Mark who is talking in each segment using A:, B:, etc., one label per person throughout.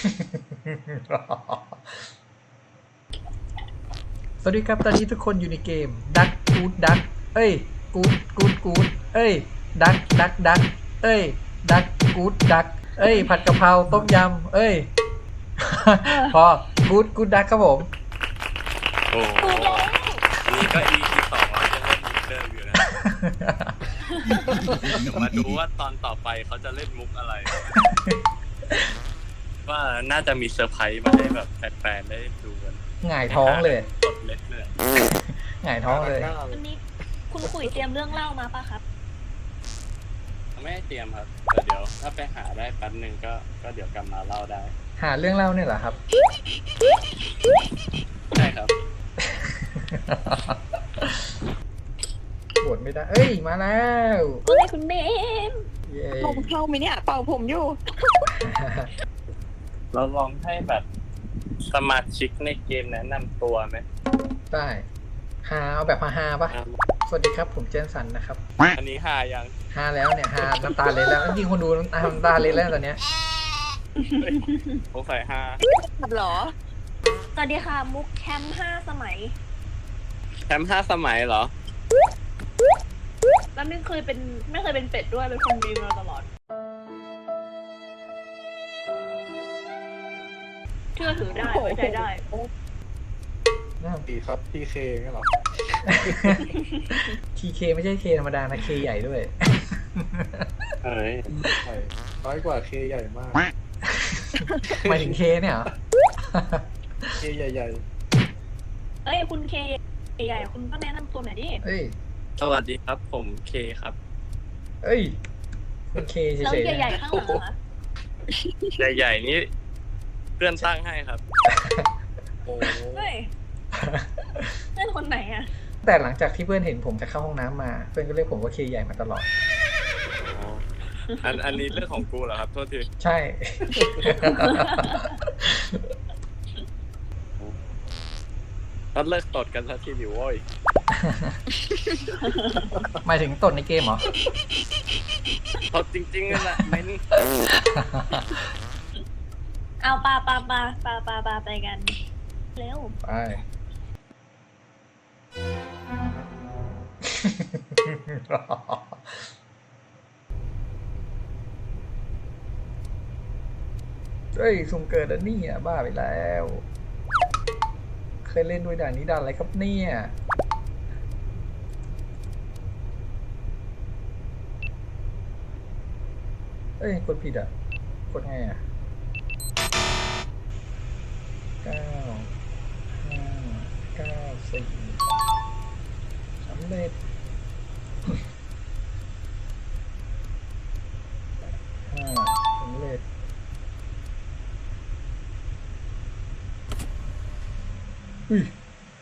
A: สวัสดีครับตอนนี้ทุกคนอยู่ในเกมดักกูดดักเอ้ยกูดเอ้ยดักเอ้ยดักกูดดักเอ้ยผัดกะเพราต้มยำเอ้ย พอกูดดักครับผม
B: โอ้โหนี่ก็ EP 2แล้วยังเล่นมุกเดิมอยู่นะเดี๋ยวมาดูว่าตอนต่อไปเขาจะเล่นมุกอะไร ว่าน่าจะมีเซอร์ไพรส์มาให้แบบแฟนๆได้ดูกัน
A: หงายท้องเลย
B: กดเล็ดเลย
A: หงายท้องเลย
C: วันนี้คุณขุยเตรียมเรื่องเล่ามาป่ะครับ
B: ไม่ให้เตรียมครับแต่เดี๋ยวถ้าไปหาได้แป๊บนึงก็เดี๋ยวกลับมาเล่าได้
A: หาเรื่องเล่าเนี่ยเหรอครับ
B: ใช่ครับ
A: บวชไม่ได้เอ้ยมาแล้ว
C: ก็เลยคุณเมม
A: เย้
D: ผมเข้าไหมเนี่ยเป่าผมอยู่
B: เราลองให้แบบสมาชิกในเกมแนะนำตัวไหม
A: ได้ฮาเอาแบบฮาๆปะสวัสดีครับผมเจนสันนะครับ
B: อันนี้หายัง
A: ฮาแล้วเนี่ยฮาน้ำตาเลยแล้วจริงคนดูน้ำตาเลยแล้วตอนเนี้ย
B: สงสัยหา
D: เหรอ
C: สวัสดีค่ะมุกแคมป์5 สมัย
B: แชมป์5 สมัยเหรอ
C: แล้วไม่เคยเป็นเป็ดด้วยเป็นคนดีมาตลอดเชื่อถือได้ไว้ใจได้
E: ดีครับทีเคงั้นเหรอ
A: ทีเคไม่ใช่เคธรรมดานะเคใหญ่ด้วย
B: เอ้ย
E: ใช่น้อยกว่าเคใหญ่มาก
A: หมายถึงเคเนี่ยเหรอ
E: เคใหญ่
C: เอ้ยคุณเคใหญ่คุณก็แนะนำตัวหน่อยดิ
A: เอ้ย
B: สวัสดีครับผมเคครับ
A: เอ้ยเป็นเคเฉ
C: แล้ว
A: ยๆ
C: ใหญ่
A: นะ
C: ๆข้างหลังเหรอคะ
B: ใหญ่ๆนี่เพื่อนตั้งให้ครับ
E: ๆ โอ้
C: เฮ้ยเพื่อนคนไหนอะ
A: แต่หลังจากที่เพื่อนเห็นผมจะเข้าห้องน้ำมา เพื่อนก็เรียกผมว่าเคใหญ่มาตลอด
B: อันนี้เรื่องของกูเหรอครับโทษที
A: ใช่
B: ก็เลิกตดกันสักทีดิโว้ย
A: หมายถึงตดในเกมเหรอ
B: ตดจริงๆนั่นแหละเม้น
C: เอาปาไปกันเร็ว
A: ไป เฮ้ยสุ่มเกิดอันนี้อ่ะบ้าไปแล้ว เคยเล่นด้วยด่านนี้ด่านอะไรครับเนี่ยเอ้ยกดผิดอ่ะ กดไงอ่ะ9 5 9 4สำเร็จ สำเร็จอุ้ย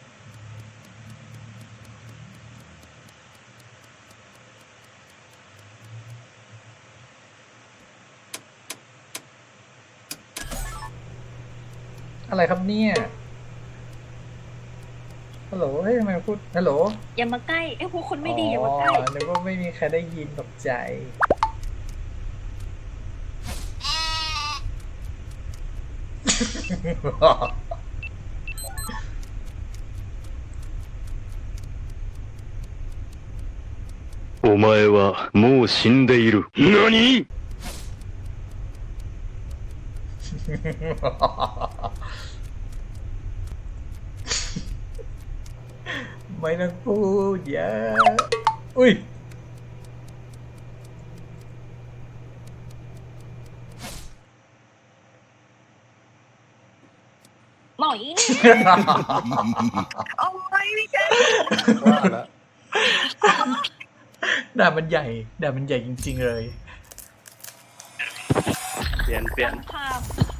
A: อะไรครับเนี่ย ฮัลโหล เฮ้ยทำไมพูด ฮัลโหล
C: อย่ามาใกล้ไอ้พวกคนไม่ดีอย่ามาใกล้
A: นึกว่าไม่มีใครได้ยินตกใจ
F: お前はもう死んでいる。何？
A: ไม่ต้องพูดเยอะอุ้ย
C: หมอยนี่
D: โอ้ยพี่แก
E: ว่าแล้ว
A: ด่ามันใหญ่ด่ามันใหญ่จริงๆเลย
B: เปลี่ยน
C: ภาพ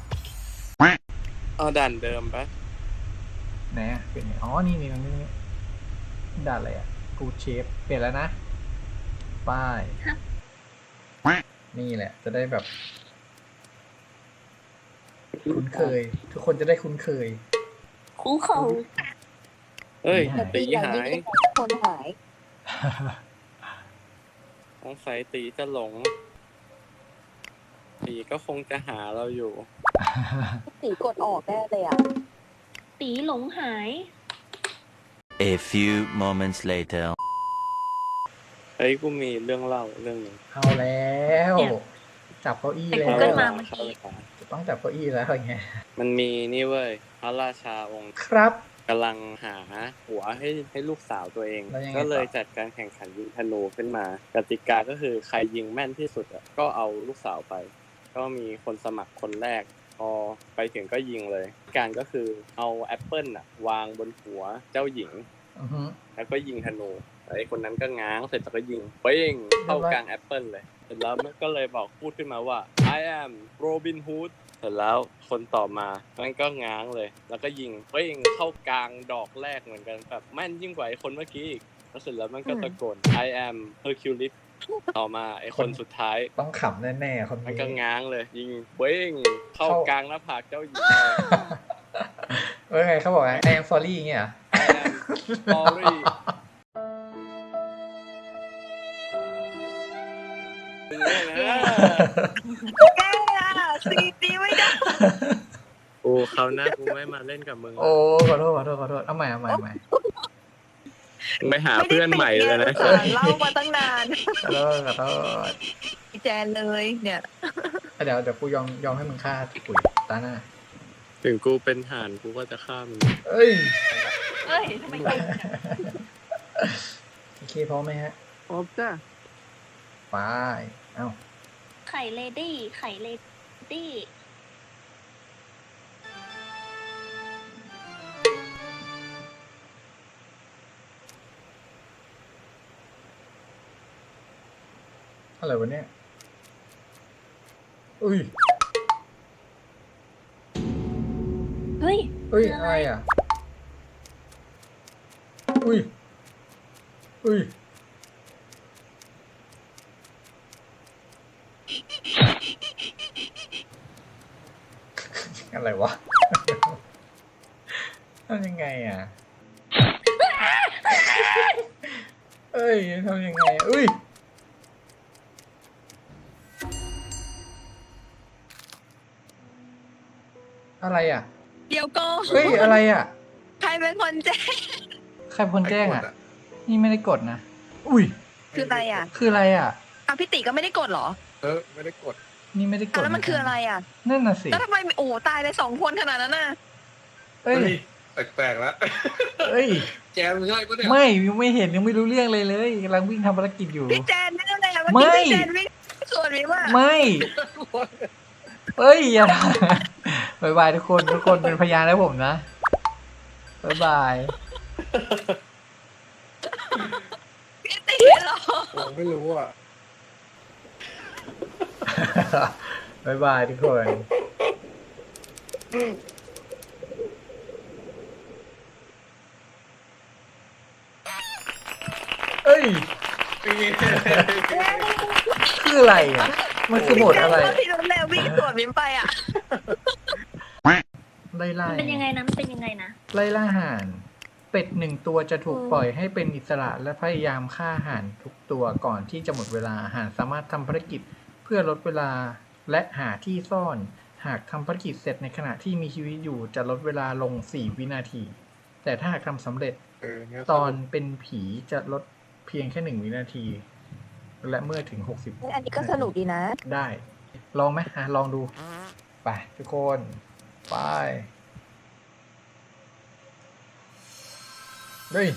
B: เอาด่านเดิมปะ
A: ไหนอ่ะเปลี่ยนไงอ๋อ นี่ด่าอะไรอ่ะกูเชฟเปลี่ยนแล้วนะ ป้าย นี่แหละ จะได้แบบ คุ้นเคย ทุกคนจะได้คุ้นเคย
C: คู่เขา
B: เอ้ย
A: หาย
B: ตีหาย
D: คนหาย
B: สงสัยตีจะหลงตีตีก็คงจะหาเราอยู่
D: ตีกดออกแน่เลยอ่ะ
C: ตีหลงหาย
G: A few moments later.
B: เฮ้ยกูมีเรื่องเล่าเรื่องหนึง
A: เอาแล้ว
C: เนี่ย
A: จับเก้าอี้
C: แต่
A: แล้
C: กู
A: ว
C: เกิลมาเมื่อกี้
A: ต้องจับเก้าอี้แล้วอย่างเงี้ย
B: มันมีนี่เว้ยพระราชาองค์
A: ครับ
B: กำลังหาหัวให้ลูกสาวตัวเอง
A: แล้วยังไงต่อ
B: ก็เลยจัดการแข่งขันยิงธนูขึ้นมา กติกาก็คือใครยิงแม่นที่สุดอะก็เอาลูกสาวไป ก็มีคนสมัครคนแรก พอไปถึงก็ยิงเลย การก็คือเอาแอปเปิลอะวางบนหัวเจ้าหญิง
A: อือฮึ
B: แล้วก็ยิงธนูไอ้คนนั้นก็ง้างเสร็จแล้วก็ยิงเป้งเข้ากลางแอปเปิลเลยเสร็จแล้วมันก็เลยบอกพูดขึ้นมาว่า I am Robin Hood เสร็จแล้วคนต่อมามันก็ง้างเลย แล้วก็ยิงเป้งเข้ากลางดอกแรกเหมือนกันแบบแม่นยิ่งกว่าไอ้คนเมื่อกี้อีกแล้วเสร็จแล้วมันก็ตะโกน I am Hercules ต่อมาไอ้คนสุดท้าย
A: ต้องขำแน่ๆคน
B: มัน
A: นี้
B: ก็ง้างเลย ยิงเป้งเข้ากลางหน้าผากเจ้าหญิง
A: เอ้ยไงเขาบอกไง I am sorry เงี้ยเหรอ
B: I am sorry
D: แก้อ่ะซีตีไม่ได้
B: โอ้คราวหน้ากูไม่มาเล่นกับมึง
A: โอ้ขอโทษเอาใหม่
B: ไปหาเพื่อนใหม่เลยนะ
D: เล่ามาตั้งนาน
A: ขอโทษ
D: พี่แจนเลยเนี่ย
A: เดี๋ยวกูยอมให้มึงฆ่าปุ๋ยตาหน้า
B: ถึงกูเป็นห่านกูก็จะฆ่ามึง
A: เอ้ย
C: เอ้ยทำไมยิงอะ
A: โอเคพร้อมไหมฮะ
B: พร้อมจ้ะ
A: ไปเอ้า
C: ไข่เลดี้ไข่เลดี้
A: อะไรวะเนี่ยอุ้ย
C: เฮ้ย
A: เอ้ยอะไรอ่ะอุ้ยอะไรวะ ทำยังไงอ่ะ เอ้ยทำยังไงอะอุ้ยอะไรอ่ะ
D: เดี๋ยวก็
A: เฮ้ยอะไรอ่ะ
D: ใครเป็นคนแจ้ง
A: ใครเป็นคนแจ้งอ่ะ นี่ไม่ได้กดนะ อุ้ย
D: คืออะไรอ่ะ
A: คืออะไรอ่ะ
D: พี่ติก็ไม่ได้กดเหรอ
E: ไม่ได้กด
A: นี่ไม่ได้กด
D: แล้วมันคืออะไรอ่ะ
A: นั่นน่ะสิ
D: แล้วทำไมโอ้ตายเลย2 คนขนาดนั้นน่ะ
A: เอ้ย
E: แปลกๆแล้ว
A: เอ้ย
E: แกมันง่ายปะเนี่ย
A: ไม่ยังไม่เห็นยังไม่รู้เรื่องเลยกำลังวิ่งทำภารกิจอยู่
D: พี่แจนนี่อะไรอ่ะ
A: ไม่
D: เมื่อกี้พี่แจนวิ่งส่วนนี้ว่า
A: ไม่เอ้ยอย่าทำบายบายทุกคนเป็นพยานให้ผมนะบายบาย
D: พี่ติเหรอ
E: ผมไม่รู้อ่ะ
A: บายบายทุกคนเอ้ยคืออะไรอ่ะมันคือโหมดอะไร
D: พี่รุนแล้ววิ่งสวนมิ้นไปอ่ะ
A: ไล่ล่า
C: มันเป็นยังไงนะมันเป็นยังไงนะ
A: ไล่ล่าห่าน เป็ด1 ตัวจะถูกปล่อยให้เป็นอิสระและพยายามฆ่าห่านทุกตัวก่อนที่จะหมดเวลาห่านสามารถทำภารกิจเพื่อลดเวลาและหาที่ซ่อน หากทำภารกิจเสร็จในขณะที่มีชีวิตอยู่จะลดเวลาลง4 วินาที แต่ถ้าหากทำสำเร็จ
E: เนี่ย
A: ตอนเป็นผีจะลดเพียงแค่1 วินาที และเมื่อถึง60
D: อันนี้ก็สนุกดีนะ
A: ได้ ลองไหมลองดู ไปทุกคนไปเฮ้ย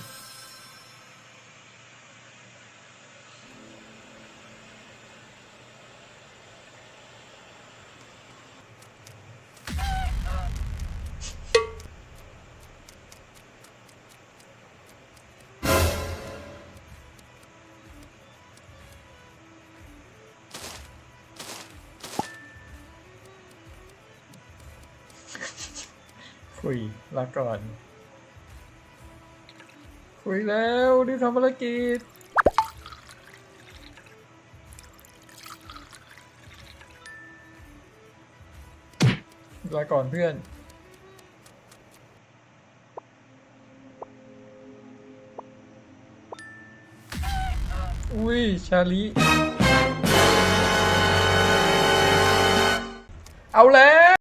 A: คุยลาก่อน คุยแล้วรีบทำภารกิจลาก่อนเพื่อน อุ้ย ชาลีเอาแล้ว